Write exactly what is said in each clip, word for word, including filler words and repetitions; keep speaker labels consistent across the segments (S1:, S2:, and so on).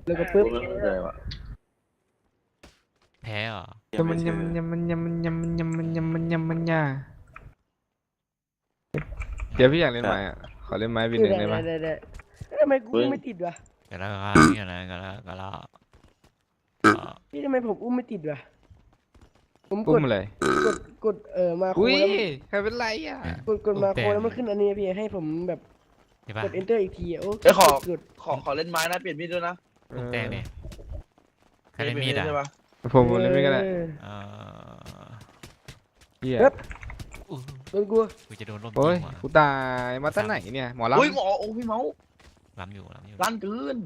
S1: แล้วก็ปึ๊บ
S2: ไม่เข้าใจว่ะ
S3: แพ้เหรอย
S4: ำมันยำมันยำมันยำมันยำมันยำมันยำมันยำมันยาเดี๋ยวพี่อยากเล่นไม้อ่ะขอเล่นไม้บินหนึ่งได้ไหม
S1: ได้ได้ทำไมกูไม่ติดวะ
S3: กันแล้วกันกันแล้วกันแล้วกันแล้ว
S1: พี่ทำไมผมอุ้มไม่ติดวะผมก
S4: อุ้
S1: ด
S4: มอะไร
S1: กดกดเออมาโค
S4: อุ้ย
S1: แล้วมัน
S4: ใครเป็นไรอ่ะ
S1: กดกดมาโคแล้วมันขึ้นอันนี้พี่ให้ผมแบบ
S3: ใช่ปะ
S1: กด enter อีกทีอะโอ้
S2: เอ้ยขอ
S1: กด
S2: ขอขอเล่นไม้นะเปลี่ยนมีดด้วยนะ
S3: ลูกแดงเนี่ยใครเล่นมีดอ่ะ
S2: ใช่ปะ
S4: ผมผมเล่นไม่ก็ได้
S1: เออ
S3: เออ
S4: เฮีย
S1: เอ๊ะ
S3: อู้
S1: โดนกู
S3: กูจะโดนลม
S4: โอ้ย
S3: จริงว่ะ
S4: กูตายมาตั้งไหนเนี่ยหมอลำ
S2: อุ้ยหมอโอ้พี่เมาส์
S3: ล้ำอยู่ล้ำอยู่
S2: ลั่นเกิน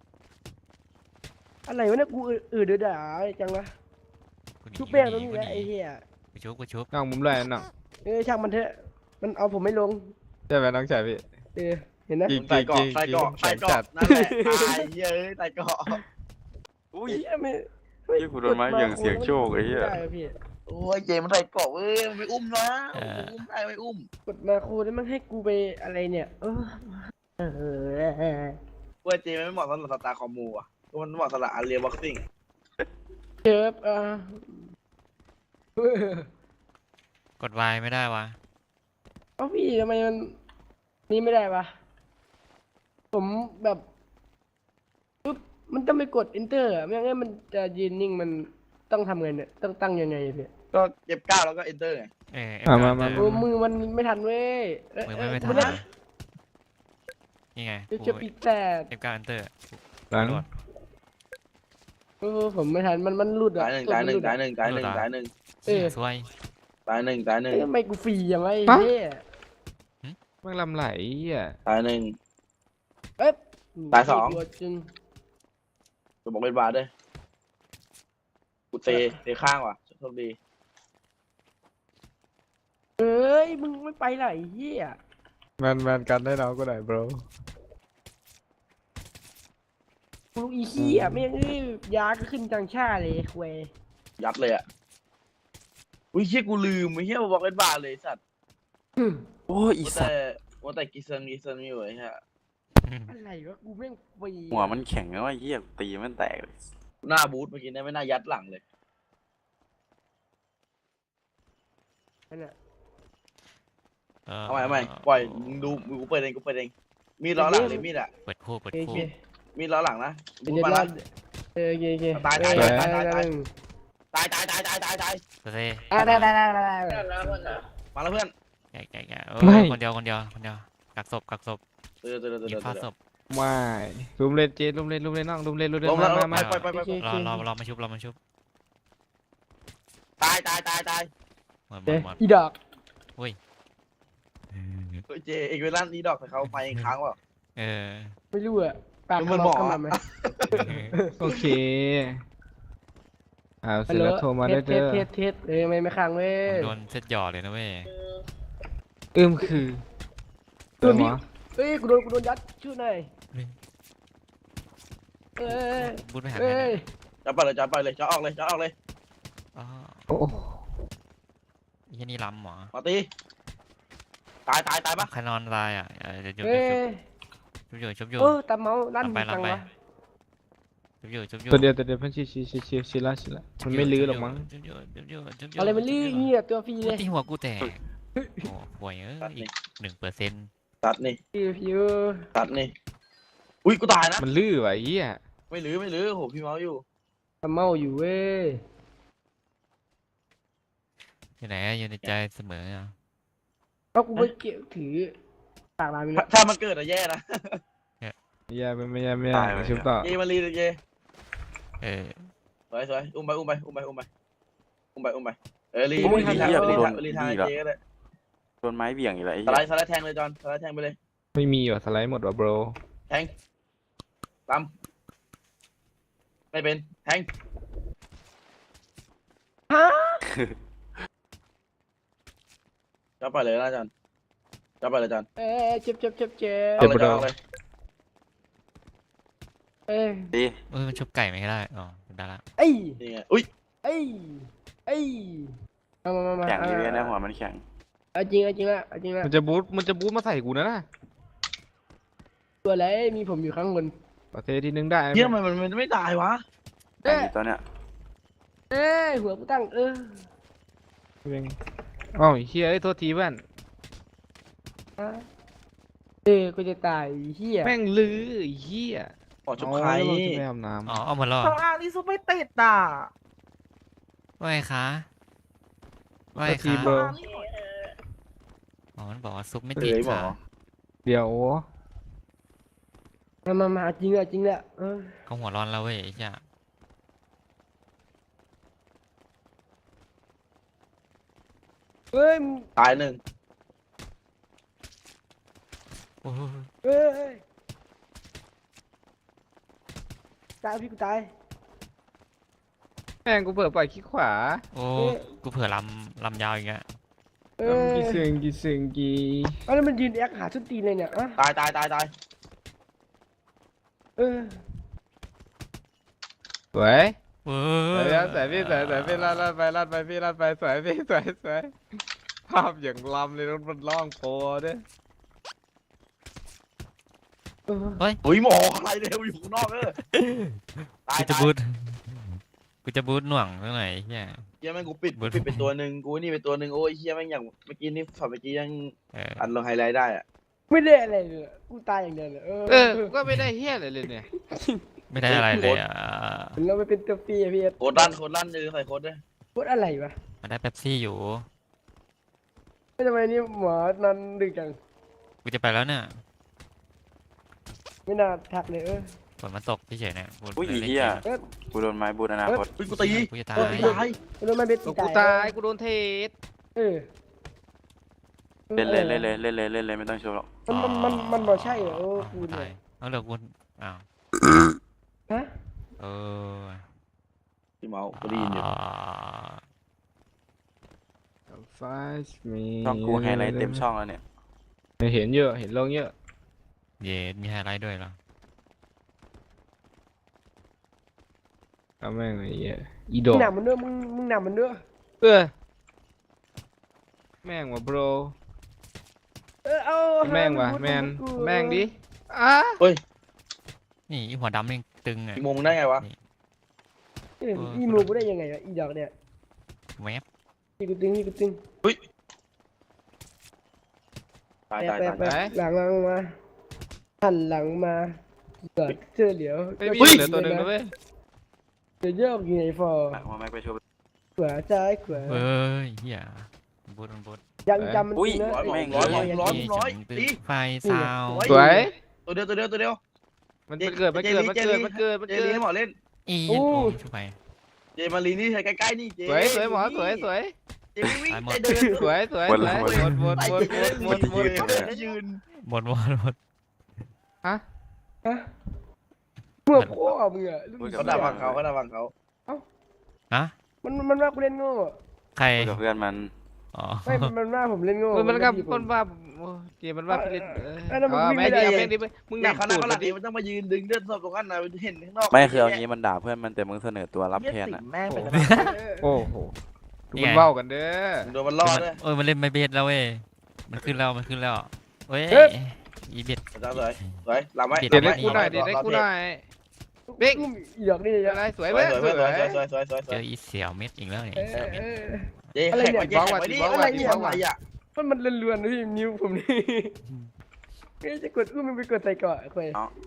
S1: อะไรวะเนี่ยกูอืดเดือดด่าจังวะ
S3: กูหนี
S1: ชุบแป้งตรง
S3: กู
S1: นี้
S3: ห
S1: แหละไอ้เหี้ย
S3: กูชุบกูชุบ
S4: น้องมุมเลยน้อง
S1: เออช่างมันเถอะมันเอาผมไม่ลง
S4: ใช่ไหมน้องชายพี่
S1: เออเห็นนะ
S4: จริง
S2: ใส่เกาะใส่เกาะใส่เกาะนั่นแหละตายเย้ยใส่เกาะ
S5: อุ้ย
S1: เหี้ยไม่
S5: เหี้ยกูโดนไม้เหวี่ยงเสียงโชคไอ้เหี้ย
S1: ม่ด้ะพี่
S2: โอ้ยเจมันใส่เกาะเว้ยมันไม่อุ้มนะมันอุ้มได้ไม่อุ้ม
S1: กดมาโคแล้วมันให้กูไปอะไรเนี่ยเออเออ
S2: เว้ยเจมันไม่เหมาะสำหรับสตาร์คอมมูอ่ะมันเหมาะสำหรับอาเรียบ็อกซิ่ง
S1: เจ็บอ่ะ
S3: กดวายไม่ได้วะ
S1: เอ้าพี่ทำไมมันนี่ไม่ได้ปะผมแบบปุ๊บมันต้องไปกด enter อะไม่งั้นมันจะยืนนิ่งมันต้องทำไงเนี่ยต้องตั้งยังไงอะพี่
S2: ก็เก็บก้าวแล้วก็เอนเตอร์ไง
S3: เออ
S4: อ่ะมามา
S1: โอ้มือมันไม่ทันเว้ยเอ้ย
S3: มือ
S1: เอ้
S3: ไม่
S1: ย
S3: ไม่ทัน
S1: เดี๋ยว
S3: นะนี่ไง
S1: เดี๋ยว
S3: กู
S1: จะปิดแต่
S3: เก็บการเอนเตอร์
S4: หลัง
S1: เออผมไม่ทันมันมันหลุดอะ
S2: ตายหนึ่ง
S1: ตัว
S2: ตาย
S1: มั
S2: หนึ่ง
S1: ลุด
S2: ตาย
S1: อะ
S2: หนึ่งตายหนึ่งตายหนึ่ง
S1: เออ
S3: สวย
S2: ตายหนึ่งตายหนึ่ง
S1: เอ้ยทำไมกูฟรีอย่างไรไอ้เหี้ย
S4: แม่งลำไหลอ่ะ
S2: ตายหนึ่ง
S1: เอ๊ะ
S2: ตายสอง
S1: ตัวจริง
S2: จะบอกเป็นบาร์ด้วยกูเตะเตะข้างว่ะโชคดี
S1: เอ้ยมึงไม่ไปไหนเหี้ย
S4: แมนแมนกันได้น้องก็ได้ bro
S1: กูลูกอีเหี้ยไม่งเอ้ยยาก็ขึ้นจังชาเลยเว้ย
S2: ยัดเลยอ่ะอุ้ยเฮียกูลืมไอ้เฮียบอกเป็นบาร์เลยสัตว์
S5: โอ้ยอี
S2: ว่า
S5: สั
S2: แต่
S5: ตว์
S2: ว่าแต่กิเซนกิเซนมีไว้ฮะ
S1: อะไรวะกูแม่งฟรี
S5: หัวมันแข็งแล้วไอ้เหี้ยตีมันแตกเลย
S2: หน้าบูธเมื่อกี้เนี่ยไม่น่ายัดหลังเลย
S1: นั่นน่ะ
S2: เอาใหม่เอาใหม่ปล่อยมึงดูมึงกูเปิดเองกูเปิดเองมีดล้อหลังเลยมีดอ่ะ
S3: เปิดคู่เปิด
S1: โอ
S3: คู่
S1: เค
S2: มีดล้อหลังนะ
S1: เดี๋
S2: บู
S1: ยว
S2: ธ
S1: เดี๋ยว
S2: มา
S1: รอ
S2: นะ
S1: เออโอเคโอเค
S2: ตายตาย
S1: เออ
S2: ตายตายตาย
S1: ได้
S2: ตายตายตายตายตายตาย
S3: สเตย์
S1: ได้ได้ได้ได้ได้ได้
S2: มาแล้วเพื่อน
S3: แกะแกะแกะเออ
S4: ไม่
S3: คนเดียวคนเดียวคนเดียวกักศพกักศพ
S2: เตือนเตือนเตือน
S3: ยิง
S2: เตื
S3: ฟา
S2: อน
S3: ศพ
S4: ไม่ลุมเล่นเจลุมเล่นลุมเล่นน้องลุมเล่นลุมเล่น
S2: ลงแล้ว
S4: มามา
S2: ไปไปไป
S1: โอเค
S3: รอรอรอมาชุบรอมาชุบ
S2: ตายตายตายตาย
S3: หมดหม
S1: เดี๋ย
S3: ด
S1: ว
S3: หมด
S1: อีดอก
S2: เฮ้ยเจเอกเวลันนี้ดอกแต่เขาไปอีกครั้งว่ะ
S3: เออ
S1: ไม่รู้อะปาก
S2: มัน
S1: ข
S2: หม
S1: มั
S2: อ
S1: บขมับไหม
S4: โอเคอ่าเส
S1: ฮั
S4: ร็
S1: ล
S4: จ
S1: โหล
S4: แล้วโทรมา
S1: เท
S4: ได้
S1: สเท
S4: เด้
S1: ส
S4: อ
S1: เทสเทสเอ้ยไม่ไม่ค้างเว้ย
S3: ผมโดนเซตหยอดเลยนะเว้ย
S4: อึมคือ
S1: ตัวพี่
S4: เหรอ
S1: เอ้ยกูโดนกูโดนยัดชื่อหน่อยเอ้ย
S3: บูทไปหาใคร
S1: เอ้
S3: เนี่ย ย
S2: จะไปเลยจะไปเลยจะออกเลยจะออกเลย
S3: อ๋อ
S4: โอ้
S3: ยี่นี่ล้ำเหรอ
S2: มาตีตายตายตายปะ
S3: ใครนอนตายอ่ะเออเดี๋ยวชุบ
S1: เอ้ย
S3: ชุบอยู่ชุบอยู่
S1: เออตาเมาลั่น
S3: ลำไป
S1: จัง
S3: ลำไป
S1: วะ
S3: ชุบอยู่ชุบอยู่
S4: ตัวเดียวตัวเดียวเพันชิชิชิชิชิละชิละมันไม่ลื้อหรอกมั้ง
S3: ชุบอยู่ชุบอยู่ชุบอยู่
S1: อะไรมันลื่นเงี้ยตัวฟรีเล
S3: มัน
S1: ย
S3: ตีหัวกูแตกโอ้ห่วยเออ
S2: ตัด
S3: อี
S2: นี่
S3: กหนึ่งเปอร์เซ็นต์
S2: ตัดนี่
S1: ฟิวฟิว
S2: ตัดนี่อุ้ยกูตายนะ
S4: มันลื้อว่ะไอ้เหี้ย
S2: ไม่ลื้อไม่ลื้อโหพี่เมาส์อยู่
S1: ตาเมาอยู่เว้ย
S3: อยู่ไหนอะอยู่ในใจเสมออ่ะ
S1: เพราะกูไปเกี่ยวถือปากลามี
S2: ถ้าถ้ามันเกิดอะแย่นะ
S4: ไม่ยากไม่ยากไม่ยากชุบต่อ
S2: เยมารีเลยเย
S3: เออ
S2: สวยสวยอุ้มไปอุ้มไปอุ้มไปอุ้มไปอุ้มไปอุ้มไปเออรีรีทางรีทางรีทางเจก็ได้
S5: โดนไม้เหวี่ยงอีกแล้วไอ้
S2: ส
S5: เหี้
S2: ไล
S5: ย
S2: ด์สไลด์แทงเลยจอนสไลด์แทงไปเลย
S4: ไม่มีว่ะสไลด์หมดว่ะ bro
S2: แทงตามไม่เป็นแทง
S1: ฮะ
S2: จะไปเลยนะจอนจะไปเลยจอน
S1: เอ้ยเจ็บเจ็บเจ็บเจ็บ
S2: เอาเลยจอนเอาเลย
S1: เอ้ย
S5: ดี
S3: เออมันชุบไก่ไม่ได้อ๋อได้ละ
S1: เอ้ย
S2: นี่ไงอุ้ย
S1: เอ้ยเอ้ยมามามามา
S5: แข็งอีเวนต์นะ
S1: เ
S5: หัวมันแข็ง
S1: อาจริงเอาจริงละเอาจริงละ
S4: มันจะบูทมันจะบูทมาใส่กูนะนะ
S1: ตัวอะไรมีผมอยู่ข้างบน
S4: ประเทศที่หนึ่งได้
S2: เฮียมันมันมันไม่ตายวะ
S5: แข่งอยู่ตอนเนี้ย
S1: เอ้ยหัวกูตั้งเออ
S4: เองอ๋อเฮียไอ้ยโทษทีเพื่อน
S1: อ่ะเออกูจะตายไอ้เฮีย
S4: แม่งลือไอ้เฮีย
S2: ออกจบใคร
S4: เอาแล้วเราจะไปอาบน้ำ
S3: อ๋อเอาหมดแล้วเหร
S6: ข้า
S3: อง
S6: ล่างนี่ซุปไม่ติดอ่ะ
S3: ว่าไงคะว่า
S4: โท
S3: ไง
S4: ษที
S3: คะ
S4: โบร
S6: ข้างล่างนี่หน่อยเออ
S3: อ๋อมันบอกว่าซุปไม่
S2: เอ้
S3: ติด
S2: ยหมอ
S3: ค่ะ
S4: เดี๋ยว
S1: มามามาจริงอะจริงแหละเออ
S3: เขาหัวร้อนแล้วเว้ยไอ้เหี้ย
S1: เอ้ยมึง
S2: ตายหนึ่ง
S3: โอ้โห
S1: เอ้ยตายพี่กูตาย
S4: แม่งกูเปิดปล่อยขี้ขวา
S3: โอ้กูเผื่อลำลำยาวอีกอะ
S1: เอ้ย
S4: กีเซิงกีเซิงกี
S1: เอ้ยแล้วมันยืนแอคหาชุดตีนเลยเนี่ยอ่ะ
S2: ตายตายตายตาย
S1: เออ
S4: สวย
S3: เว้
S4: สวย
S3: ย
S4: แล้วสวยพี่สวยสวยพี่ลาดลาดไปลาดไปพี่ลาดไปสวยพี่สวยสวยภาพอย่างลำเลยรถมันล่องโปรด้วย
S1: เออ
S2: อุ้ยหมออะไรเนี่ยอยู่ข้างนอกเออตาย
S3: กูจะ
S2: ตาย
S3: บูทกูจะบูทหน่วงเท่าไหร่ไอ้เหี้ย
S2: เฮียแม่งกูปิด
S3: เบิร์ด
S2: ปิดไปตัวหนึ่งกูนี่ไปตัวหนึ่งโอ้ยเฮียแม่งอย่างเมื่อกี้นี่ฝันเมื่อกี้ยัง
S3: เออ
S2: อัดลงไฮไลท์ได้อะ
S1: ไม่ได้อะไรเลยอะกูตายอย่างเดียวเลยเออ
S4: เออก็ไม่ได้เฮี้ยอะไรเลยเนี่ย
S3: ไม่ได้อะไรเลยอ่ะ
S1: เราไปเป็นตัวฟรีอะพี่เอส
S2: โคตรลั่นโคตรลั่นเลยใส่โคตรด้วย
S1: พูดอะไรวะ
S3: มันได้เป๊ปซี่อยู่
S1: ไม่ทำไมนี่หมอนอนดึกจัง
S3: กูจะไปแล้วเนี่ย
S1: ไม่น่าทักเลยเออ
S3: ฝนมันตกเฉยๆเนี่ยกู
S5: อุ้ย
S3: เลย
S5: อี
S3: เล่น
S5: เฮีย
S3: เกม
S5: กูโดนไม้บูทอนาคต
S2: เฮ้ยกูตี
S3: กูจะตาย
S2: เออกูตาย
S1: ไม่รู้มันเป็น
S4: กู
S1: ตี
S4: ตายกูโดนเทส
S1: เออ
S5: เล่นเลยเล่นเลยเล่นเลยเล่นเลยไม่ต้องโชว์หรอก
S1: มันมันมันมันบอกใช่เหรอเออกู
S3: ตา
S1: เนี่ย
S3: ยเอาเหลือกูอ้าว
S1: ฮะ
S3: เออ
S2: พี่เมากูได้ยินอยู่
S3: อ่า
S4: ไฟส์มี
S5: ช่องกูไฮไลท์เต็มช่องแล้วเนี่ย
S4: เห็นเยอะเห็นลงเยอะ
S3: เย็ดมีไฮไลท์ด้วยเหรอ
S4: เอาแม่งไอ้เหี้ยอีด
S1: มึ
S4: อง ก
S1: หนำมันเด้อมึงมึงหนำมันเด้อ
S4: เออแม่งว่ะ bro
S1: เออเอา
S4: แม่งว่ะ
S1: พูด
S4: แมน
S1: พูด
S4: แม่งดิอ่ะ
S3: นี่อีหัวดำนี่ตึงอ่ะ
S2: พี่โมงได้ไงวะ
S1: เอออีมูกูได้ยังไงวะอีดอกเนี่ย
S3: แวบ
S1: อีกูตึงอีกูตึง
S2: ตาย
S1: แปะ
S2: ตาย
S1: แปะ
S2: ตาย
S1: แปะหลังหลังมาหันหลังมาเกิดเจอเหลียว
S4: ไม่มีเหลือตัวหนึ่งนะเว้ย
S1: เดี๋ยวโยกอยู่ในฟอร์
S5: หลังมาแม็กไปโชว์
S1: ขวาซ้ายขวา
S3: เฮ้ยเฮียบูทมันบูท
S1: ยังจำมัน
S5: อุ้ย
S1: นะ
S2: ร้อยหมอ
S5: แม่ง
S2: ร้อยหมอ
S1: เ
S2: ร้อยร้อย
S3: ตึง
S2: ตี
S3: ไฟซาว
S4: สวย
S2: ตัวเดียวตัวเดียวตัวเดียว
S4: มันมันเกิดมันเกิดมันเกิดมันเกิดมัน
S2: เจ
S4: เกิ
S2: ลี
S4: ด
S2: ให้หมอเล่น
S3: อีโอ้ยช่วยไป
S2: เจมาลีนี่ใกล้ๆนี่เจ
S4: สวยสวยหมอสวยสวย
S2: เจวิ่ง
S3: ตายหม
S2: เจ
S3: ด
S2: เดิน
S4: สวยสวยสวยหมดหมดหมดหมดหมดหมด
S2: ยืน
S3: หมดหมดหมด
S4: ฮะ
S1: ฮะเมื่อพ่อมึงอะลูก
S2: เขาด่าฟังเขาเขาด่าฟังเขา
S3: ฮะ
S1: มันมันว่ากูเล่นโง่
S3: ใคร
S5: คุยกับเพื่อนมัน
S3: อ๋อ
S1: ไม่มันมันว่าผมเล่นโง่
S4: เออมันกับ
S1: พี่ผ
S4: มันว่าโอ้เกมมันว่าพี่เล่นเออ
S1: เออแล้วมึง
S4: เอา
S1: วิ่ง
S4: แม่ง
S1: ไม่
S4: ดิ
S1: ได้
S4: เอาแม่งดิมึงหนั
S2: เนี่ย
S4: ก
S2: เขาหน้า
S4: ตูด
S2: เขาห
S4: เล
S2: ลั
S4: ย
S2: ง
S4: ดิ
S2: มันต้องมายืนดึงเลือดศพตรงนั้นนะเห็นข้างนอก
S5: ไม่คือเอางี้มันด่าเพื่อนมันแต่มึงเสนอตัวรับแทนอ่ะ
S6: แม่งไป
S1: โอ้
S6: แล้ว
S1: โห
S4: โอ้โหดูมันเว้ากันเด้อ
S2: โดนมันล่อด้วย
S3: เออมันเล่นไม่เบสแล้วเว้ยมันขึ้นแล้วมันขึ้นแล้วเว้ยอีเบส
S2: อาจารย์สวยสวยหลับไว้
S4: เดี๋ยวได้กูหน่อยเดี๋ยวได้กูหน่อย เบ้ง
S1: อีดอกนี่เลย
S4: อะไรสวย
S2: ส
S4: เว้
S2: วย
S4: ย
S2: สวย
S4: สวย
S2: สวยสวยสวยสวยส
S3: เจ
S2: วย
S3: ออีเสี่ยวเม็ดอีกแล้วเนี่ย
S1: เอ
S3: อีเสี่ยว
S1: อ
S3: เม็ด
S1: เออ
S2: เจ๊แข่งไว้เจ๊แข่งไว้ดิอะไรเนี่ยอะไรอ่ะ
S1: มันมันเลื่อนๆพี่นิ้วผมนี่ไม่จะกดอุ้มมันไปกดใส่เกาะคุย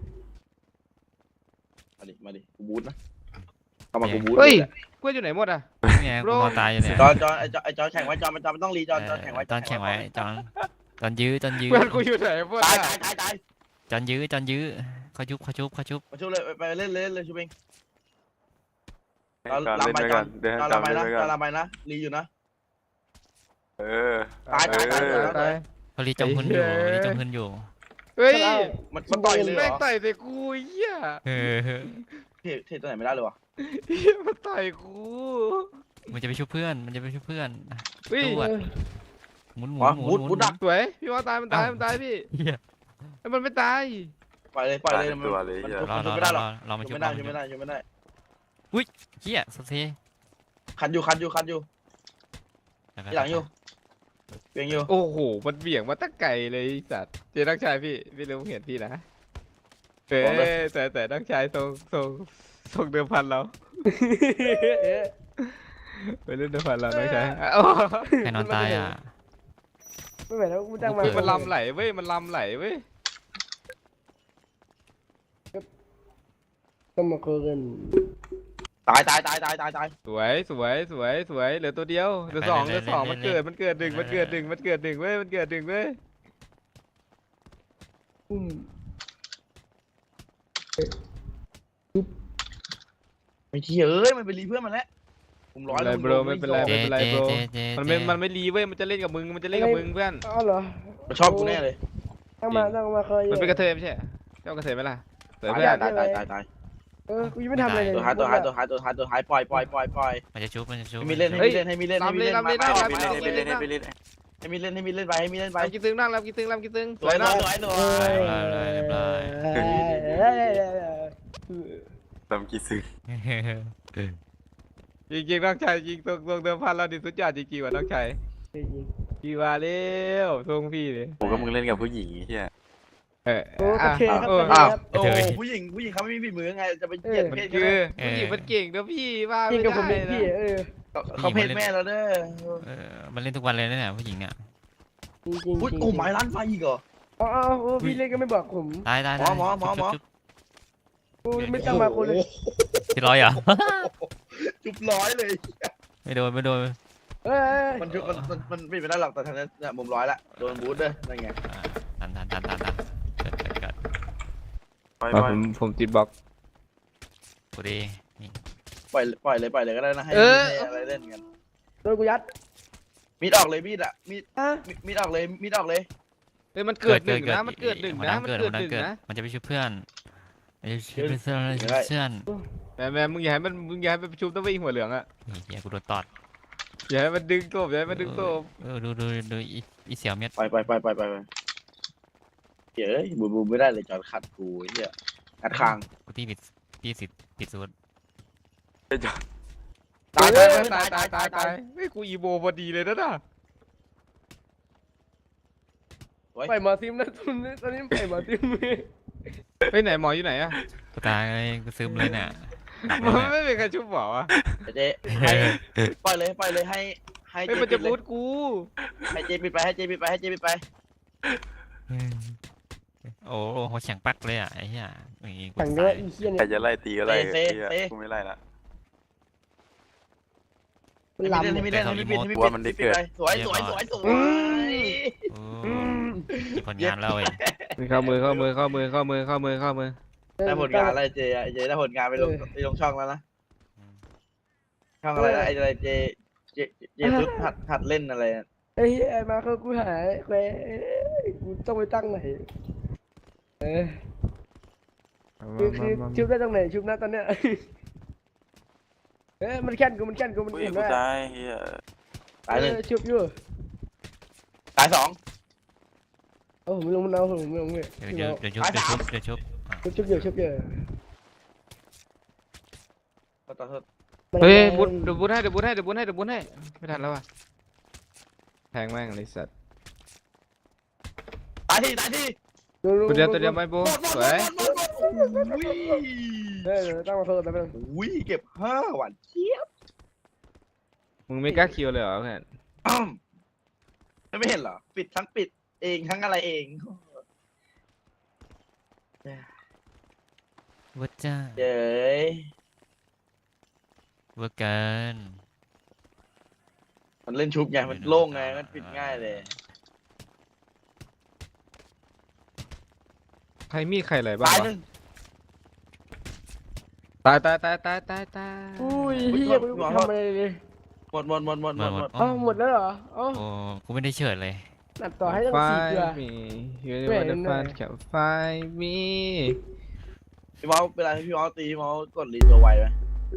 S2: มาดิมาดิกูบูทนะเข้ามากูบูท
S4: เฮ้ยกล้วยอยู่ไหนหมดอ่ะ
S3: เนี่ยกูนอนตายอยู่เนี่ย
S2: จอนจอนไอจอนไอจอนแข่งไว้จอนมันจอนมันต้องรีจอนจอนแข่งไว้
S3: ตอนแข่งไว้จอนตอนยื้อตอนยื้อ
S4: เพื่อนกูอยู่ไหนหมด
S2: ตาย
S4: อ่ะ
S2: ตายตายตาย
S3: จอนยื้อจอนยื้อเขาชุบเขาชุบเขาชุบ
S2: มาช่วยเลยไปเล่นเล่นเลยชูเองจอน
S5: ก่อน
S2: ลำ
S5: เล่น
S2: ไป
S5: ไป
S2: จ
S5: ก่
S2: อ
S5: อน นเดิน
S2: จอน
S5: ตาม
S2: ลำไป
S5: เล่น
S2: นะ
S5: ไป
S2: จ
S5: ก่
S2: อ
S5: อน น
S2: ลำไปนะรีอยู่นะ
S5: เออ
S2: ตายตายตาย
S5: เออ
S4: ตาย
S3: เขารีจมพื้นอยู่รีจมพื้นอยู่
S4: เฮ้ย
S2: มันมันต่อยเลยเหร
S4: แม่ง
S2: อ
S4: ต่อยใส่กูเหี้ย
S3: เออ
S2: เทเทตัวไหนไม่ได้เลยวะ
S4: เหี้ยมันต่อยกู
S3: มันจะไปช่วยเพื่อนมันจะไปช่วยเพื่อน
S4: เฮ้ย
S3: ตรวจหมุนหมุ
S2: อ๋อน
S3: หมุ
S2: บู
S3: น
S2: ท
S3: หมุ
S2: บู
S3: น
S2: ทดัก
S4: สวยพี่ว่าตายมันตายมันตายพี่
S3: เหี้ย
S4: ไอ้มันไม่ตาย
S2: ปล่อยเลยปล่อยเลย
S5: ตายตัวเลย
S2: มัน
S5: เหี้ย
S2: ชุบ
S3: รอ
S2: มัน
S3: ร
S2: ชุ
S3: อบ
S2: ไม่ได้หร
S3: ร
S2: อ
S3: อก รอมา
S2: ชุ
S3: ชุ
S2: บบ ไม่ได้
S3: รอ
S2: ชุบ
S3: มา
S2: ไม่ได้ชุบไม่ได้
S3: เฮียโซเซ
S2: คันอยู่คันอยู่คันอยู่ที่หลังอยู่เพียงอยู่
S4: โอ้โหมันเบี่ยงมาตั้งไกลเลยไอ้สัตว์เจนักชายพี่พี่รู้เห็นพี่นะเฮ้ยแต่แต่ต้องใช้ส่งส่งส่งเดิมพันเราไปเล่นเดิมพันเราต้องใช้โอ้
S3: ใครนอนตายอ่ะ
S1: ไม่ไหวแล้วกูจ้างมา
S3: เฮ้ย
S4: มันลำไหลเว้ยมันลำไหลเว้ย
S1: ต้องมาคุยกัน
S2: ตายตายตายตายตายตาย
S4: สวยสวยสวยสวยเหลือตัวเดียวเหลือสองเหลือสองมันเกิดมันเกิดหนึ่งมันเกิดหนึ่งมันเกิดหนึ่งเว้ยมันเกิดหนึ่งเว้ย
S1: อุ้ม
S2: ไม่เที่ยเอ้ยมันไปรีเพื่อนมันแล้วผมร้อย
S4: ไม่เป็นไร bro ไม่เป็นไร
S3: เจเจเจเจ
S4: มันไม่มันไม่รีเว้ยมันจะเล่นกับมึงมันจะเล่นกับมึงเพื่อน
S1: อ๋อเหรอ
S2: มันชอบกูแน่เลย
S1: ต้องมาต้องมาเคย
S4: มันเป็นกระเทยไม่ใช่เหรอเจ้ากระเทยไหมล่ะสวย
S2: ตาย
S4: เพื่อน
S2: ตายตายตายตาย
S1: เออกูยังไม่ทำอะไรเลย
S2: ตัวท้ายตัวท้ายตัวท้ายตัวท้ายตัวท้ายปล่อยปล่อยปล่อยปล่อย
S3: มันจะชุบมันจะชุบ
S2: ให้มีเล่นให้มีเล่นให้มีเล่นให้มีเล่น
S4: ลำเลยลำเลยได้
S2: ให้มีเล่น
S5: ให้ไปเล่นให้ไปเล่น
S2: ให้มีเล่นให้มีเล่นไปให้มีเล่นไป
S4: ลำกี่ตึงนั่งลำกี่ตึงลำกี่ตึง
S2: สวยสวยสวยสวย
S5: ลำกี่ซึ้ง
S4: จริงจริงน้องชายจริงตรงตรงเดิมพันเราดิสุดยอดจริงๆว่ะน้องชายพี่ว่าเร็วทรงพี่เลย
S5: ผมก็มึงเล่นกับผู้หญิงเฮีย
S4: เออ
S1: โอเคครับ
S4: โอ้
S2: อ้าว
S1: ครับ
S2: โอ้ผู้หญิงผู้หญิงเขาไม่มีฝีมือไงจะไปเหยียด
S4: มัน
S2: เพศ
S4: คื
S2: เขา
S4: อผู้หญิงมันเก่งนะพี่ว่า
S1: จริ
S4: ไม่
S1: งกับผม
S4: ได้
S1: เป็นพี่
S4: นะ
S1: เออ
S2: เขาเพศแม่เราเด้อ
S3: เออมันเล่นทุกวันเลยนะเนี่ยผู้หญิงเนี่ย
S1: จริงจริง
S2: อุ้ยกูหมายร้านไฟอีกเหรอ
S1: อ๋อโอ้พี่เล่นก็ไม่บอกผม
S3: ตายตาย
S2: หมอหมอหมอหมอ
S1: กูไม่ต้องมาคนเลย
S3: ที่ร้อยเหรอ
S2: จุบร้อยเลย
S3: ไม่โดนไม่โดน
S1: เอ้ย
S2: มันจุบมันมันมันไม่เป็นไรหรอกแต่ทางนั้นเนี่ยมุมร้อยละโดนบูทเด้อนั่นไง
S3: ทันทันทันทันทันเกิดเกิดเกิด
S5: ปล่อย
S4: อ่ะ
S5: ปล่อ
S4: ผ
S5: ย
S4: มผมติดบล็อก
S3: กูดีนี่
S2: ปล่อยปล่อยเลยปล่อยเลยก็ได้นะให้
S4: เออ
S2: ให้อะไรเล่นกัน
S1: โดนกูยัด
S2: มีดออกเลยมีดอ่ะมีด
S1: ฮะ
S2: มีมีดออกเลยมีดออกเลย
S4: เฮ้ยมันเกิดหนึ่งนะมันเกิดหนึ่งนะมันเกิดหนึ่งนะ
S3: มันจะไปช่วยเพื่อนมันจะช่วยเพื่อนเพื่อน
S4: แม่แม่มึงอย่าให้มันมึงอย่าให้มันประชุมต้องไปหัวเหลืองอ่ะ
S3: นี่เฮียกูโดนตอด
S4: อย่าให้มันดึงโตบอย่าให้มันดึงโตบ
S3: เออดูดูดูอีอีเสี่ยวเม็ด
S2: ไปไปไปไปไปไปเฮ้ยบูบูไม่ได้เลยจอดขัดกูไอ้เหี้ยขัดคาง
S3: กูตีผิดตีสิผิดสูตร
S2: ตาย
S4: ตา
S2: ตาย ย
S4: ตา
S2: ตาย ย
S4: ตา
S2: ตาย ย
S4: ตา
S2: ตาย ย
S4: ตายเฮ้ยกูอีโบพอดีเลยนะน่ะ
S1: ปล่อยหมอซิมนะตอนนี้ตอนนี้ปล่อยหมอซิม
S4: ไปไหนหมออยู่ไหนอะ
S3: กูตายกูซึมเลยเนี่ย
S4: มันไม่เป็นใครชุบหมอวะ
S2: เจ๊ให้ปล่อยเลยปล่อยเลยให้ให้
S4: เฮ้ย
S2: เจ๊
S4: มัน
S2: ปิ
S4: จะ
S2: ดเล
S4: บู
S2: ย
S4: ทกู
S2: ให้เจ๊ปิดไปให้เจ๊ปิดไปให้เจ๊ปิดไป
S3: โอ้โหแข็งปักเลยอ่ะไอ้เหี้ยอย่างงี้กู
S1: สั่งเยอะ
S3: ตาย
S1: อีเหี้ย
S5: ใคร
S1: เนี่ย
S5: จะไล่ตีก็ไล่เฮียกูไม่ไล่ละ
S1: มัน
S2: ให้
S1: ลำ
S2: มีเล่นให้มีเล่นให้มีปิดให้มี
S5: กลัว
S2: ปิด
S5: มันได้
S2: ให้มีปิ
S5: เกิด
S2: ไปสวยสวยสวยสวย
S3: โอ้มีผลงานแล้วเว้ย
S4: เข้ามือเข้ามือเข้ามือเข้ามือเข้ามือเข้ามือ
S2: ได้ผลงานอะไรเจ๊อะเจ๊ได้ผลงานไปลงไปลงช่องแล้วนะช่องอะไรนะไอ้อะไรเจ๊เจ๊เจ๊ซุดหัดหัดเล่นอะไร
S1: ไอ้เหี้ยมาเขากูหายเว้ยกูต้องไปตั้งไหนเออคือคือชุบได้ตรงไหนชุบนะตอนเนี้ยเอ้ยมันแค้นกูมันแค้นกูมัน
S5: อุ้ย
S1: เห็น
S5: กู
S1: ว่า
S5: ตายเฮีย
S2: ตายหนึ่ง
S1: ชุบอยู่
S2: ตายสอง
S1: โอ้ผมลงมันเอาผมลงเลย
S3: เดี๋ยวเดี๋ยวเดี๋ยวชุบเดี๋ยวชุบเดี๋ยวชุบ
S1: ชุบชุบอยู่ชุบอยู่
S2: ขอโทษ
S4: เฮ้ยบูทเดี๋ยวบูทให้เดี๋ยวบูทให้เดี๋ยวบูทให้เดี๋ยวบูทให้ไม่ทันแล้วว่ะแทงแม่งเลยสัตว์
S2: ตายที่ตายที่
S4: ตัวเดียวตัวเดียวไม่โบ
S2: หมดหมด
S4: ส
S2: หม
S4: ว
S2: ด
S4: ย
S2: หมดหมดหมดอุ้ย
S1: เออตั้งมาเพิ่มแต่เป็น
S2: อุ้ยเก็บห้าหวานเจี๊ยบ
S4: มึงไม่กล้าคิวเลยเหรอเพื่อน
S2: อ้อมไม่เห็นเหรอปิดทั้งปิดเองทั้งอะไรเอง
S3: วัดจ้า
S2: เย้ย
S3: วัดเกิน
S2: มันเล่นชุบไงมันโล่งไงมันปิดง่ายเลย
S4: ใครมีใครอะไรบ้าง
S2: ตายว
S4: ะ
S2: หนึ่ง
S4: ตายตายตายตายตายตาย
S1: อุ้ยเฮียกูทำอะไรเลย
S2: หมดหมดหมดหมดหมดหมด
S1: อ๋อหมดแล้วเหรออ๋อ
S3: โอ้กูไม่ได้เฉิดเลย
S1: นัดต่อให้ตั้ง
S4: ไฟ
S1: สี่เดือน
S4: มียู
S1: แม่
S4: นิ
S1: ง
S4: เวอร์
S1: หน่
S4: ฟั
S1: อย
S4: นกับไฟมี
S2: พี่เมาส์เวลาที่พี่เมาส์ตีพี่เมาส์กดรีตัวไวไหม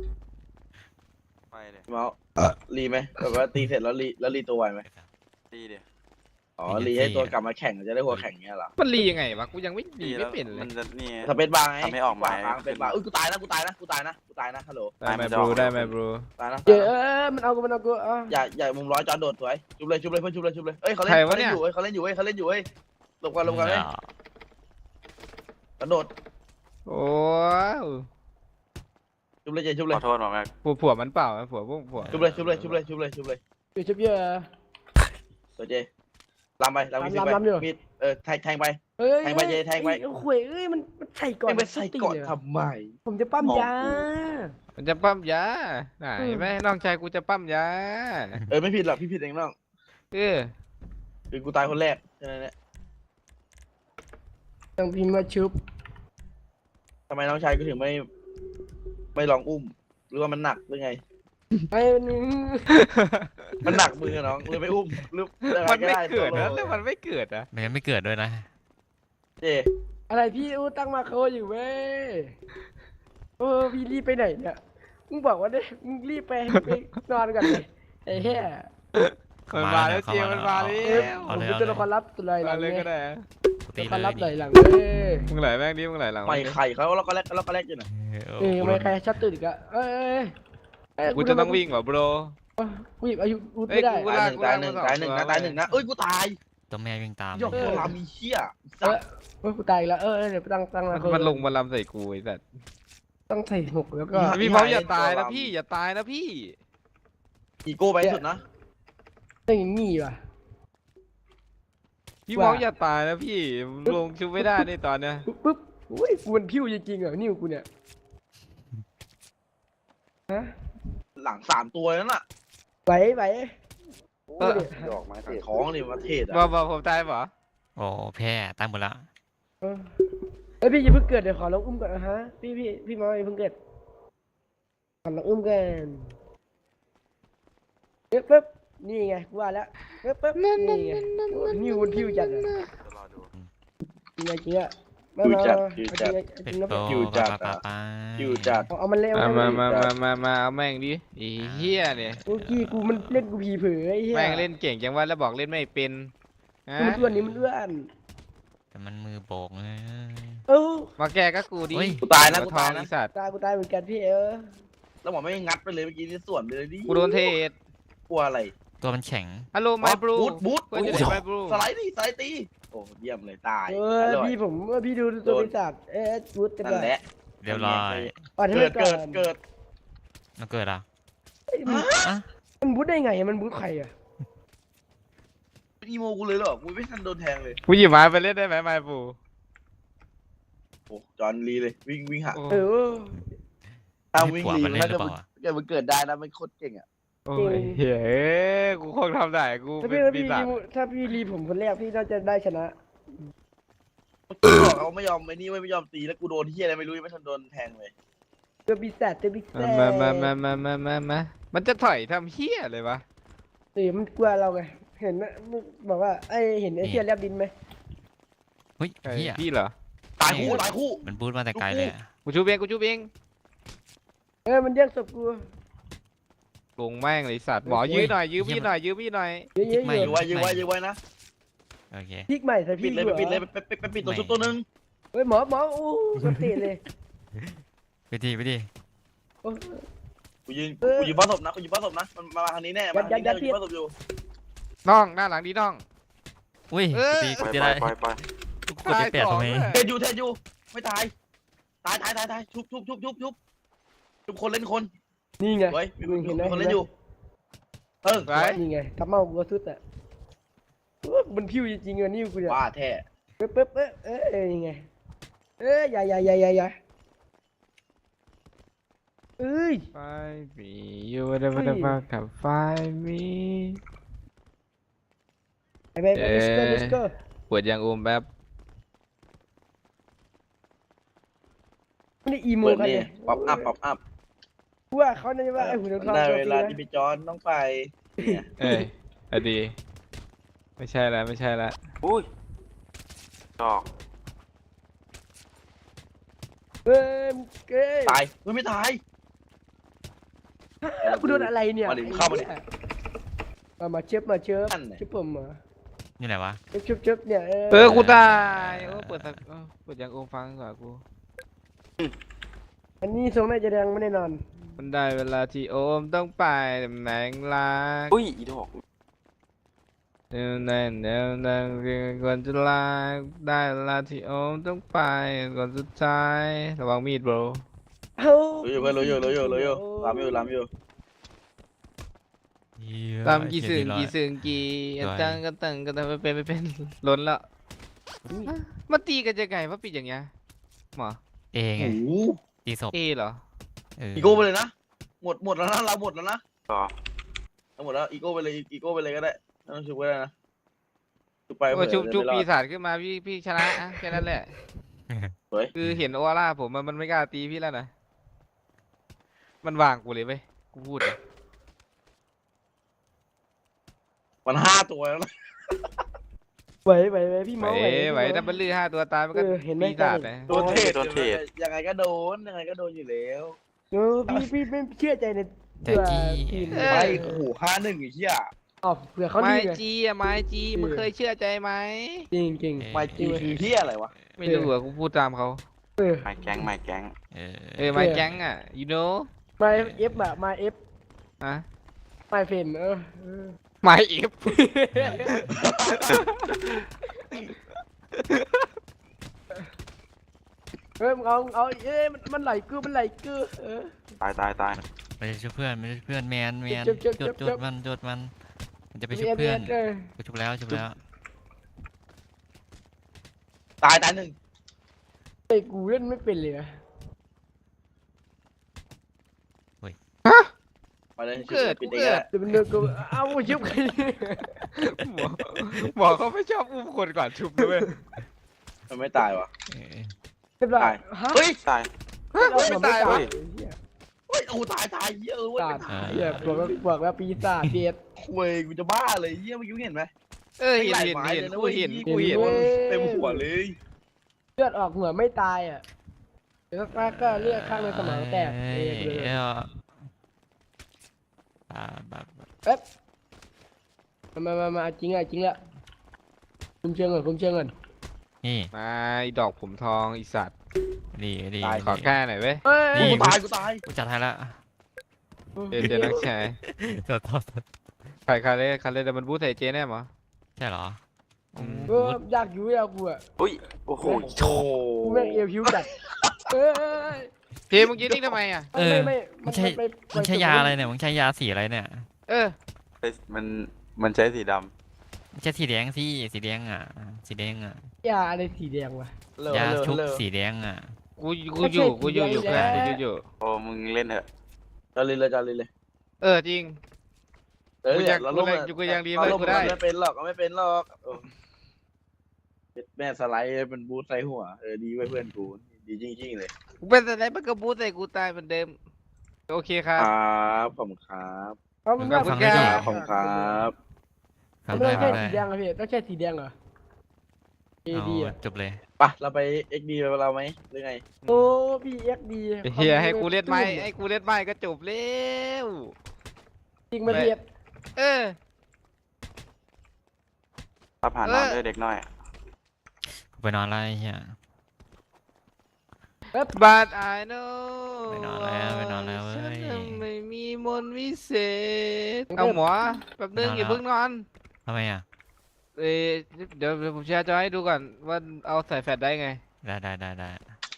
S5: ไม่เลย
S2: พี่เมาส์รีไหมแบบว่าตีเสร็จแล้วรีแล้วรีตัวไวไหม
S5: ตีเดีย
S2: อ๋อรีให้ตัวกลับมาแข่งจะได้หัวแข่งเงี้ยเหรอ
S4: มันรียังไงวะกูยังไม่รี
S5: ตี
S4: ไม่
S5: แล้ว
S4: เป็นเล
S5: มั
S4: ย
S5: นจะนี่
S2: สเปซบาร์ไง
S5: ทำให้ออกหมาย
S2: ขวางเป็นบาร์เอ้ยกูตายนะกูตายนะกูตายนะกูตายนะฮัลโหล
S4: ได้ไหม
S5: มันจะ
S4: บ
S5: อ
S4: รู
S5: อก
S4: ได้ไหมบรู
S2: ตายนะ
S1: เจอเออมันเอากูมันเอากูอ๋อ
S2: อย่าอย่ามุมร้อยจอนโดดสวยชุบเลยชุบเลยเพื่อนชุบเลยชุบเลยเอ้ยเขาเล่นเขาเล่นอยู่เอ้ยเขาเล่นอยู่เอ้ยเขาเล่นอยู่เอ้ยหลบกันหลบกันเอ้ยกระโดด
S4: โอ้ย
S2: ชุบเลยเจชุบเล
S5: ข
S2: ย
S5: อโทษหมอแม็ก
S4: ผัวผัวมันเปล่าผัวพวกผัว
S2: ชุบเลยชุบเลยชุบเลยชุบเลยชุบเลย
S1: อยู่ชุบเยอะ
S2: ตัวเจลำไปลำมีด
S1: ลำ
S2: ไป
S1: ลำอยู่
S2: มีดเออแทงแทงไป
S1: เอ้ย
S2: แทงไปเจแทงไป
S1: เอ้ยโอ้ยเอ้ยมันมันใส่ก่อน
S2: แทงไปใส่ก่อน
S1: ตีเลย
S2: ทำไม
S1: ผมจะปั้ม
S2: มอง
S1: ยา
S4: มันจะปั้มยาไหน
S1: อืม
S4: แม่น้องชายกูจะปั้มยา
S2: เออไม่ผิดหรอกพี่ผิดเองน้อง
S4: เออ
S2: คือกูตายคนแรกแค่นั้นแหละ
S1: ต้องพิมพ์มาชุบ
S2: ทำไมน้องชายกูถึงไม่ ไม่ลองอุ้ม หรือว่ามันหนักหรือไง
S1: ไอ้นี่
S2: มันหนักมือน้องเลยไม่อุ้มหรือยังง
S4: มันไม่
S2: ด้
S4: เกิด
S2: โซ
S4: นะ
S2: โล่
S4: แล้วมันไม่เกิดนะ
S3: มันยังไม่เกิดด้วยนะ
S2: เจ
S1: อะไรพี่อู้ตั้งมาโคอยู่เว้ยเออพี่รีบไปไหนเนี่ยมึงบอกว่าได้มึงรีบไปไปนอนก่อนเลยไอ้เหี้ย
S4: มันมาแล้วเจียมันมาแล้
S1: เอ๊ะ
S4: ว
S1: ผมเป็นตัวละครลับตัวอะไรหลั
S4: มาง เลย
S1: เนี่
S4: ก็
S1: ย
S4: ได้
S3: กู
S1: ตั
S3: ตี
S1: วละค
S3: เล
S1: ร
S3: ย
S1: ลับ
S3: ดิ
S1: ไหลหลังเว้ย
S4: มึงไหลแม่งดิมึงไหลหลัง
S2: ไม่ไข่เขาแล้วก็แลกแล้วก็แลกอยู่นะ
S3: เออ
S1: เอ้ย
S3: กู
S1: ไม่ใครชัดตื่นอีกอะเอ้ยเอ้ยเอ้ย
S4: กูจะต้องวิ่งเหรอ bro
S1: กูหยิบอายุอุด
S4: เอ้ย
S1: ไม่ได้
S4: กู
S2: ตายหนึ่งตายหนึ่ง
S4: กูลาก
S2: ตายหนึ่ง
S4: กู
S2: นะ
S4: ลาก
S2: ตายหนึ่งนะเอ้ยกูตาย
S3: ตัวแม่วิ่งตาม
S2: หยอกตัวลามีเชี่ย
S1: เออเฮ้ยกูตายอีกแล้วเออเออเดี๋ยวตั้งตั้ง
S4: มั
S1: มาน โค
S4: มันลงมาลำใส่กูไอ้สัส
S1: ต้องใส่หกแล้วก็
S4: พี่พร้อมอย่าตายนะพี่อย่าตายนะพี่
S2: อีโก้ไปที่สุดนะ
S1: ต้องอย่างงี้ว่ะ
S4: พี่พร้อมอย่าตายนะพี่ลงชุบไม่ได้ในตอนเนี้ย
S1: ปุ๊บปุ๊บอุ้ยกูมันพิ้วจริงๆเหรอนิ้วกูเนี่ยฮะ
S2: หลังสามตัวนั่นน่ะ
S1: ไหวไหวโอ้ย
S2: ดอกไม้เทศท้องนี่มาเทศ
S4: บอ
S2: อ่ะ
S4: กบอกผมตายเปล่า
S3: โอ้แพ้ตายหมดละ
S1: เออเอ้ยพี่อย่าเพิ่งเกิดเดี๋ยวขอลองอุ้มก่อนนะฮะพี่พี่พี่มาอย่าเพิ่งเกิดขอลองอุ้มกันเอ๊ะปุ๊บนี่ไงกูว่าแล้วเอ๊ะปุ๊บนี่ไงโอ้ยนิ้วมันพิ้วจัดอะ
S5: รอดู
S1: จริงไงจริงอะมา
S2: คิว
S1: มา
S2: จัด
S1: มา
S2: คิว
S1: เอา
S2: จัด
S1: จริงอะจริงนะ
S3: เป็ดโต
S2: คิวจัด
S3: ปะ
S2: อะ
S3: ปะปะ
S2: คิวจัด
S1: เอาเอามันเร็ว
S4: มา
S1: เอา
S4: มา
S1: มัน
S4: มา
S1: เร็ว
S4: มามามาเอาแม่งดิไอ้เหี้ยเนี่ย
S1: เมื่อกี้กูมันเล่นกูผีเผยไอ้เหี้ย
S4: แม่งเล่นเก่งจังว่าแล้วบอกเล่นไม่เป็นฮะ
S1: มันอ้วนนี่มันอ้วน
S3: แต่มันมือโบกเลย
S1: เออ
S4: มาแก้ก็กูดิ
S3: เฮ้ย
S2: กูตายนะ
S4: หั
S2: กู
S4: วทอ
S2: ตาง ย
S4: ไอ้
S2: นะ
S4: สัตว์
S1: ตายกูตายเหมือนกันพี่เออ
S2: แล้วหมอไม่งัดไปเลยเมื่อกี้นี่ส่วนไปเลยดิ
S4: กูโดนเทรด
S2: กลัวอะไร
S3: ตัวมันแข็ง
S4: ฮัลโหลไมบรู
S2: บูทบูท
S4: เพื่อนจะได้ไมบรู
S2: สไลด์ดิสไลด์ตีโอ้เยี่ยมเลยตาย
S1: เออ
S2: อร่อย
S1: พี่ผมเออพี่ดูตัวบริษัทเอ๊ะกูดกัน
S2: นั่น
S1: ด้วย
S2: แหละ
S3: เรียบร้อย
S1: อ่อนให้
S2: เกิ
S1: มั
S2: ด
S1: นก่อ
S2: เกิด
S1: น
S2: เกิด
S3: มันเกิดอ่ะ
S1: เอ้ยมัน
S3: อ่ะ
S1: มันบูดได้ไงอะมันบูดใครอะ
S2: อีโมกูเลยเหรอกูไม่ทันโดนแทงเลย
S4: กูหยิบไม้ไปเล่นได้ไหมไมบรู
S2: โอ้จอห์นลีเลยวิ่งวิ่งหา
S4: โอ้
S1: เออ
S2: ถ้า
S3: ให้
S2: วิ่ง
S3: ผัว
S2: ลี
S3: มัน
S2: มัน
S3: เล่น
S2: น่า
S3: หรือ
S2: จะ
S3: เปล่าอะ
S2: เกิดมันเกิดได้นะมันโคตรเก่งอ่ะ
S4: โอ้ยเฮ้ยกูคงทำได้กู
S1: ถ้า
S4: เป็
S1: พี่
S4: น
S1: ถ้า
S4: ปี
S1: พี่
S4: ศาจ
S1: ถ้าพี่รีผมคนแรกพี่น่าจะได้ชนะ
S2: กูบอกเขาไม่ยอมไอ้นี่ไม่ยอมตีแล้วกูโดนเฮียอะไรไม่รู้ยังไม่ทันโดนแทงเลย
S1: ตัวปีศาจตัวปีศาจ
S4: มามามามามามามามันจะถอยทำเหี้ยเลยวะ
S1: เออมันกลัวเราไงเห็นไหมมึงบอกว่าไอ้เห็นไอ้เชี่ยแลบดินไหม
S3: เฮ้ย
S4: ไอ้
S3: เฮีย
S4: พี่เหรอ
S2: ตายคู่ตายคู่
S3: มันบูทมาแต่ไกลเลยอะ
S4: กูชูเบงกูชูเบง
S1: เออมันแย่งศพกู
S4: ลงแม่งเลยสัตว์หมอยื้อหน่อยยื้อพี่หน่อยยื้อพี่หน่อย
S1: เยอะๆ
S2: ยื้
S1: อ
S2: อยู่ ไว้ยื้อไว้ยื้อไว้นะ
S3: โอเค
S1: พลิกใหม่ใส่พ
S2: ปิ
S1: ลิ
S2: ด
S1: ก
S2: เลย
S1: อยู่
S2: ไปปิดเลย
S1: เหรอ
S2: ไปไปไปปิดตัวชุบตัวนึง
S1: เฮ้ยหมอหมออู้สติเลย
S3: ไปดีไปดี
S1: โอ้
S2: กูยืน
S1: เออ
S2: กูยืนบ้านศพนะกูยืนบ้านศพนะมันมาทางนี้แน่มาทางนี้
S1: ยั
S2: แน่
S1: ดยัด
S2: กูยืนบ้านศพอยู่
S4: น้องหน้าหลังดีน้อง
S3: อุ้ย
S4: เออ
S3: ตี
S5: ป
S3: กู
S5: ล่อย
S3: จะ
S5: ปล่
S3: ได้
S5: อยปล่อยปล่อย
S3: กูกดได้แปดทำไม
S2: เทนอยู่เทนอยู่ไม่ตายตายตายตายตายชุบชุบชุบชุบชุบชุบคนเล่นคน
S1: นี่ไง
S2: เฮ้ยมี
S1: มึงเห็นไหม
S2: คนเล่นอยู่เออ
S4: ไป
S1: นี่ไงทับเมากูสุดอ่ะโอ้มันพิ้วจริงๆอะนิ้วกูเนี่ย
S2: ว่าแท้
S1: ปึ๊บปึ๊บเอ๊ะเอ๊ะเอ๊ะยังไงเอ๊ะอย่าอย่าอย่าอย่าอย่าเอ้ย
S4: ไฟมีอยู่ได้มาได้มากับไฟมี
S1: ไปไปไป let's go let's go
S4: ปวดยางอมแบบ
S1: ไม่ได้อีโม
S2: เปิด
S1: กัน
S2: นี่
S1: เลย
S2: ป๊อปอัพป๊อปอัพ
S1: กูว่าเขาน่าจะว่าไอ้หุ่นทอง
S2: ได้
S1: ตัว
S2: เว
S1: จริง
S2: ลา
S1: นะ
S2: ที่ไปจอนต้องไปเนี่ย
S4: เอ้ยอดีไม่ใช่แล้วไม่ใช่แล้ว
S5: อุ้ยดอก
S1: เฮ้ยเก้ย
S2: ตายเฮ้ยไม่ตาย
S1: กูโดนอะไรเนี่ย
S2: มาดิเข้ามาดิ
S1: มามาเช็บมาเช็บ
S2: นั่นแหละ
S1: เช็บผมมา
S3: นี่ไหนวะ
S1: เช็บเช็บเช็บเนี่ย
S4: เออกูตายโอ้เปิดสักเออเปิดยางอมฟังก่อนกู
S1: อันนี้ทรงน่าจะแดงไม่แน่นอน
S4: มันได้เวลาที่โอมต้องไปตำแหน่งลาก
S5: อุ้ยอีดอก
S4: เดี๋ยวนั่นเดี๋ยวนั่นก่อนจะลาได้เวลาที่โอมต้องไปก่อนสุดท้ายระวังมีด bro
S1: เอ้า
S2: รู้อยู่เพื่อนรู้อยู่รู้อยู่รู้อยู่ลำอยู่ลำอยู่
S3: เหี้ย
S4: ตามกี่
S3: เหี้
S4: สึ
S3: ย
S4: ง
S3: ดีร้อย
S4: กี่สึงกี่
S3: ร้อย
S4: ตังกันตังกันตังไม่เป็นไม่เป็น ล้นละมาตีกันจะไงว่าปิดอย่างเงี้ยหมอ
S3: เอไง
S2: โอ้โห
S3: ตีศพ
S4: เอเหรอ
S3: เออ
S2: อีโก้ไปเลยนะหมดหมดแล้วนะเราหมดแล้วนะ
S5: ต่อ
S2: เราหมดแล้วอีโก้ไปเลยอีโก้ไปเลยก็ได้ไม่ต้องชุบก็ได้นะชุบไป
S4: โอ้ย
S2: เผื่อ
S4: ชุบชุบ
S2: จะไม่รอ
S4: ปี
S2: ด
S4: ศาจขึ้นมาพี่พี่ชนะอะแค่นั้นแหละ
S2: สวย
S4: คือเห็นออร่าผมมันมันไม่กล้าตีพี่แล้วนะมันวางกูเลยเว้ยกูพูดเลย
S2: มันห้าตัวแล้วนะ
S1: ไหวไหวไหวพี่
S4: ไหว
S1: เมาส์ไหว
S4: ไหวถ้ามันลื้อห้าตัวตายมันก็
S1: เออเห็นไหม
S4: ปีศาจเลย
S2: โดนเทรดยังไงก็โดนยังไงก็โดนอยู่แล้ว
S1: เออพี่พี่ไม่เชื่อใจใน
S3: แต่
S1: เผื่อ
S3: กี้
S1: ทีม
S2: ไม่โอ้โหห้าหนึ่งไอ้เหี้ย
S1: อ๋อเผื่อเขา
S4: ไม้
S1: ดีไง
S4: จีอะไม้จีมึงเคยเชื่อใจไหม
S1: จริงจริง
S2: ไม่จีคือเหี้ยอะไรวะ
S4: ไม่รู้อะกูพูดตามเขา
S1: เออ
S5: ไม่แก๊งไม่แก๊ง
S3: เออ
S4: เออไม้แก๊งอะ you know
S1: มาเอฟอะมาเอฟ
S4: อะ
S1: มาเฟนเออเออ
S4: ไม้เอฟ
S1: เฮ้ยมึงเอาเอาเอ้ยมันมันไหลกือมันไหลกือเออ
S5: ตายตายตาย
S3: ไปช่วยเพื่อนไปช่วยเพื่อนแมนแมน
S1: จุ๊บจุ๊บ
S3: จุด
S1: จุ๊
S3: จุ
S1: บ
S3: ดมันจุดมันมันจะไป
S1: เอ
S3: ช่วย
S1: ฟ
S3: เพื่อน
S1: เออ
S3: ไปชุบแล้วชุบแล้ว
S2: ตายตายหนึ่ง
S1: ไอ้กูเล่นไม่เป็นเลยอะ
S2: ไปเลย
S4: เกิด
S2: ปิ
S4: กู
S2: ดเอง
S4: เกิด
S1: เดี๋ยวมันเดินกูเอาชิบกัน
S4: หมอหมอเขาไม่ชอบอุ้มคนก่อนชุบด้วย
S2: มันไม่ตายวะ
S3: เออ
S1: เรียบร้อยฮะ
S2: เฮ้ย
S5: ตาย
S1: เราไม่ตาย
S2: เฮ้
S1: วะ
S2: ย เฮ้ยโอ้ตายตายเหี้ยอะเว้ย
S1: ตาดเหี้ยบอกว่าบอกว่าปีศาจเดียด
S2: เว้ยกูจะบ้าเลยเหี้ยเมื่อกี้เห็นไหม
S4: เออเห็นเห็นเห็นกูเห็นกูเห็น
S2: เต็มหัวเลย
S1: เลือดออกหัวไม่ตายอ่ะเดี๋ยวสักพักก็เลือดข้างในสมองแตก
S3: เอ
S1: เองเลย
S3: ออ่าแบบ
S1: เอ๊ะมามามาจริงอ่ะจริงอ่ะคุมเชิงก่อนคุมเชิงก่อน
S3: นี่
S4: มาไอ้ดอกผมทองไอีสัตว์
S3: ดีดี
S4: ขอแก้หน่อยเว้ย
S1: เฮ้ย
S3: นี่
S2: กูตายกูตาย
S3: กูจัดให้ละ
S4: เจเจนักแชร์
S3: ตัวตัว
S4: ใครคาเล่คาเล่แต่มันบูทใส่เจแน่หมอ
S3: ใช่เหรออืม
S1: เออยากอยู่ยากกูอ่ะ
S5: อุ้ยโอ้โห
S2: โอ้
S1: กูแม่งเอวพิวจัดเอ้ย
S4: เจเมื่อกี้นี่ทำไมอ่ะ
S3: เออ
S1: ไม่
S3: มันใช่
S1: ไป
S3: มันใช้ยาอะไรเนี่ยมันใช้ยาสีอะไรเนี่ย
S4: เออ
S5: มันมันใช้สีด
S3: ไม่ใช่สีแดงสิสีแดงอ่ะสีแดงอ่ะ
S1: ยาอะไรสีแดงวะ
S2: เลิก
S3: ยา
S2: เลิก
S3: ชุบ
S2: เลิก
S3: สีแดงอ่ะ
S4: กูกูอยู่กูอยู่อยู่
S1: ไม่
S4: เพื่อน
S1: ใช่
S4: กูอยู่อยู่
S5: ำโอ้มึงเล่นเถอะ
S2: จะเลยเลยจะเลยเลย
S4: เออจริง
S2: เออ
S4: กูยัง
S2: เรา
S4: กู
S2: ลง
S4: เลย
S2: อะ
S4: กูยังดี
S2: เรา
S4: เว้ย
S2: ลง
S4: กูได้
S2: ไม่เป็นหรอกไม่เป็นหรอกเออแม่สไลด์เป็นบูทใส่หัวเออดีไว้เพื่อนกูดีจริงๆเลย
S4: กูเป็นอะไรมันก็บูทใส่กูตายเหมือนเดิมโอเคครั
S2: ค
S4: บ
S2: รับขอบคุณครับ
S1: เอามัน
S4: ขอบคุณ
S1: ว่า
S4: ครั
S2: ขอบคุณครับ
S3: ฟัง
S1: ไม่
S3: ได้
S1: ต้อง
S3: ฟั
S1: ใช่
S3: งได้
S1: สีแดงเหรอพี่ต้องใช่สีแดงเหรอเอ
S3: เอา
S1: ดีอ่ะ
S3: จบเลย
S2: ไปเราไปเอ็กดีไปเราไหมหรือไง
S1: โอ้พี่เอ็กดี
S4: เฮียให้กูเล่นไม้ให้กูเล่นไม้ก็จบแล้ว
S1: จริงมาเรียด
S4: เออ
S5: ถ้าผ่าน
S4: เอ
S5: น
S4: อ
S5: อนด้วยเด็กน้อย
S3: กูไปนอนแล้วไอ้เหี้ย
S4: บัด I know
S3: ไปนอนแล้วไปนอนแล้วเว้ย
S4: ฉันไม่มีมนต์วิเศษเอาหมอแป๊บนึงอย่าเพิ่งนอน
S3: ทำไมอ่ะ
S4: เอ้ยเดี๋ยวเดี๋ยวผมแชร์จอให้ดูก่อนว่าเอาใส่แฟลชได้ไง
S3: ได้ได้ได้ได้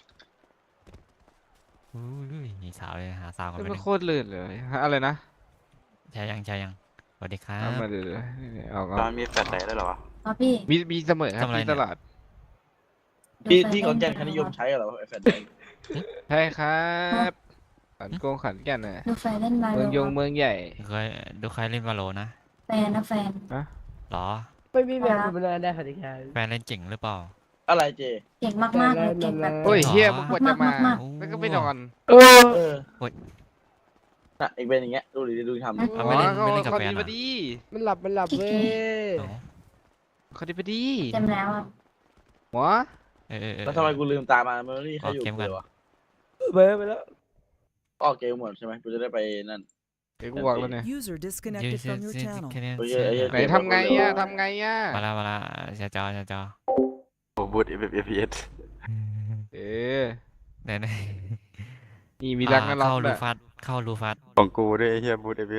S3: อุ้ยนี่สาวเลยหาสาวกัน
S4: ไม่
S3: ไป
S4: เป็น
S3: ดิ
S4: โคตรลื่นเลยฮะอะไรนะ
S3: ใช่ยังใช่ยังสวัสดีครั
S4: เอา
S3: บ
S4: มาเดี๋ยวเดี๋ยวนี่เอา
S5: ตอ
S4: เอา
S5: นมีแฟลชไดด้วยเหรอวะ
S7: อ๋อพี่
S4: มีมีเสมอครับ
S3: ทำอะไร
S4: มี
S3: เนี่ย
S4: ตลอด
S2: ที่ที่ขอนแก่นเขานิยมใช้เหรอไอแฟน
S4: ใช่ครับขันโกงขันแก่นน่ะ
S7: ดูแฟนเล่นมา
S4: เมืองยงเมืองใหญ่
S3: เคยดูใครเล่นวาโลนะ
S7: แฟนนะแฟน
S3: หรอ
S1: ไม่มีแบบธรรมดาได้ค่ะที่แค่
S3: แฟนเล่นเจ๋งหรือเปล่า
S2: อะไรเจ
S7: เก่งมากๆเลยเก่งแบบ
S4: โอ้ย
S3: หรอ
S4: เฮียมึงกว่าจะมา
S7: าก
S4: แล้วก็ไม่นอน
S1: เออ
S2: เออ
S3: โอ้ย
S2: น่ะอีกเป็นอย่างเงี้ยดูดิดูทำดิ
S3: เอาไม่เล่นไม่เล่นกับ
S4: เขา
S3: แฟน
S4: ดี
S3: อ่ะ
S4: พอดี
S1: มันหลับมันหลับเว้ย
S3: เอ้า
S4: เขาดีพอดี
S7: เต็มแล้วอ่ะ
S4: หมอ
S3: เออเออเออ
S2: แล้วทำไมกูลืมตามามันไม่มีใครอยู่
S3: ออกเกมก่อน
S2: เลยวะ
S1: เบิร์ไปแล้ว
S2: ออกเกมหมดใช่ไหมกูจะได้ไปนั่น
S4: เดี๋ยวกูบอกแล้วเนี่ย
S8: User
S3: ยื
S8: disconnected
S3: ด
S8: from your
S3: ยืด
S8: channel.
S3: แค่นี้
S2: โอ้ยเอ้ยเอ้ย
S4: ไหนทำไงอ่ะทำไงอ่ะ
S3: มาละมาละเสียจอเสียจอ
S5: โอ้บูทเอฟเอฟเอส
S4: เออ
S3: ไหนไหน
S4: นี่มีรักนะล็อก
S3: เข้ารู
S4: ด้วย
S3: ฟัดเข้ารูฟัด
S5: ของกูด้วยไอ้เฮียบูทเอฟเอส
S3: เอ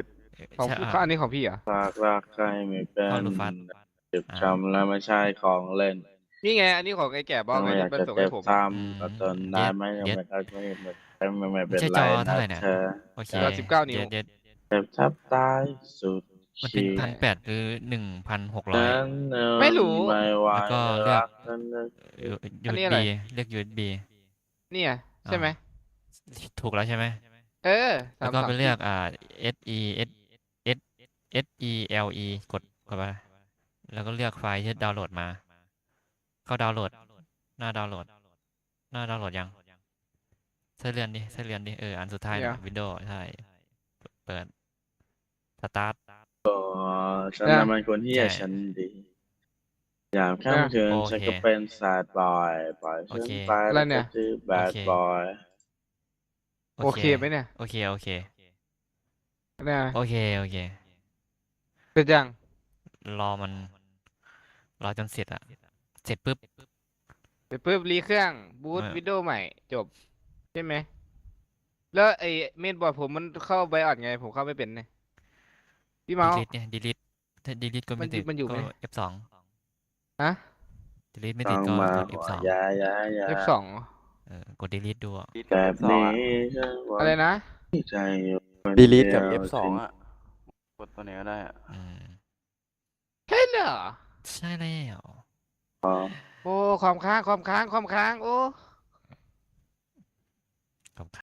S4: ของ
S3: ใช่
S4: พี่
S3: อ่ะ
S4: อันนี้ของพี่เหรอ
S2: ฝากรักใครไม่เป็น
S3: เข้าลูฟัส
S2: เจ็บช้ำแล้วไม่ใช่ของเล่น
S4: นี่ไง อันนี้ของไอ้แก่บอกไง
S2: ไม่อยาก
S4: มัน
S2: จะ
S4: ส่ง
S2: เจ็
S4: ให้
S2: บ
S4: ผม
S2: ซ้
S3: อืม
S2: ำก็ทนได้ไหมยัง
S3: เย็ด
S2: ไม่เข้าไม่ไม่ไม่ไม่
S3: ไม่
S2: เป็น
S3: ใช่
S2: ไร
S3: จอเท่า
S2: นะ
S3: ไหร่เนี่ย
S2: เธอ
S3: โอเค
S4: จอสิบเก้านิ้ว
S3: เดี๋ยว
S2: เจ็บทับตายสุด
S3: มันเป็น
S2: ขีด
S3: พันแปดหรือหนึ่งพันหกร้อย
S2: นั้นเนิน
S4: ไม่รู้
S2: ไม่ไหว
S3: แล้วก็เลือก
S2: รันั้นนึก
S4: อันนี้
S3: ยู
S4: อะไร
S3: บีเรียก ยู เอส บี
S4: เนี่ยใช่ไหม
S3: ถูกแล้วใช่ไหม
S4: เออ
S3: แล้วก็
S4: สาม
S3: ไป
S4: สาม
S3: เลือกอ่า S E S S S E L E กดกดไปแล้วก็เลือกไฟล์ที่ดาวน์โหลดมา เข้าดาวน์โหลด หน้าดาวน์โหลด หน้าดาวน์โหลดยังใส่เรือนดิใส่เรือนดิเอออันสุดท้าย
S4: เดี๋
S3: นะ
S4: ยว
S3: วินโดว์ใช่เปิดสตาร์ท
S2: อ๋อฉัน
S4: อ่ะ
S2: น่ะมันคนที่
S3: ใช่
S2: ฉันดี อยามค่ำคืน
S3: โอ
S2: ฉัน
S3: เค
S2: ก็เป็นแซดบอยปล่อย
S3: โอ
S2: ฉัน
S3: เค
S2: ไป
S4: อะไร
S2: แล้ว
S4: เนี่
S2: ก็
S4: ย
S2: ชื่อแบ
S3: โอ
S2: ด
S3: เค
S2: บอย
S4: โอเคไหมเนี่ย
S3: โอเคโอเค
S4: เนี่ย
S3: โอเคโอเค
S4: เป็นยัง
S3: รอมันรอจนเสร็จอะเสร็จปุ๊บ
S4: ไปปุ๊บรีเครื่องบูต
S3: ไม่
S4: วิดีโอใหม่จบ ใช่ไหม แล้วไอ้เมนบอร์ดผมมันเข้าไบออดไง ผมเข้าไม่เป็นเนี่ยพี่เมาส์
S3: delete เนี่ย delete ถ้า delete ก็
S4: มั
S3: ไม่
S4: น
S3: ติด
S4: มันอยู่
S3: ก็
S4: ไหม
S3: เอฟ สอง
S4: ฮะ
S3: delete ไม่
S2: ต้
S3: ติ
S2: อ
S3: ด
S2: ง
S3: ก็
S2: มาก
S3: ด เอฟ สอง
S2: ยายายา
S4: เอฟสอง
S3: เออกด delete ดูอะ
S5: ดีด
S2: แบ
S5: กับบ F สอง
S2: นี้
S5: อ่ะ
S2: ฉันหวัง
S4: อะไรนะ
S2: ใจอยู่คน
S5: ดีลีทกับ
S2: เดียว
S5: F สอง
S2: ถึง
S5: อ่ะ กดตัวไหนก็ได้อ่ะ
S3: อืม
S4: ใช่เหรอ
S3: ใช่แล้ว
S2: พอ
S4: โอ้ความค้างความค้างความค้าง โอ้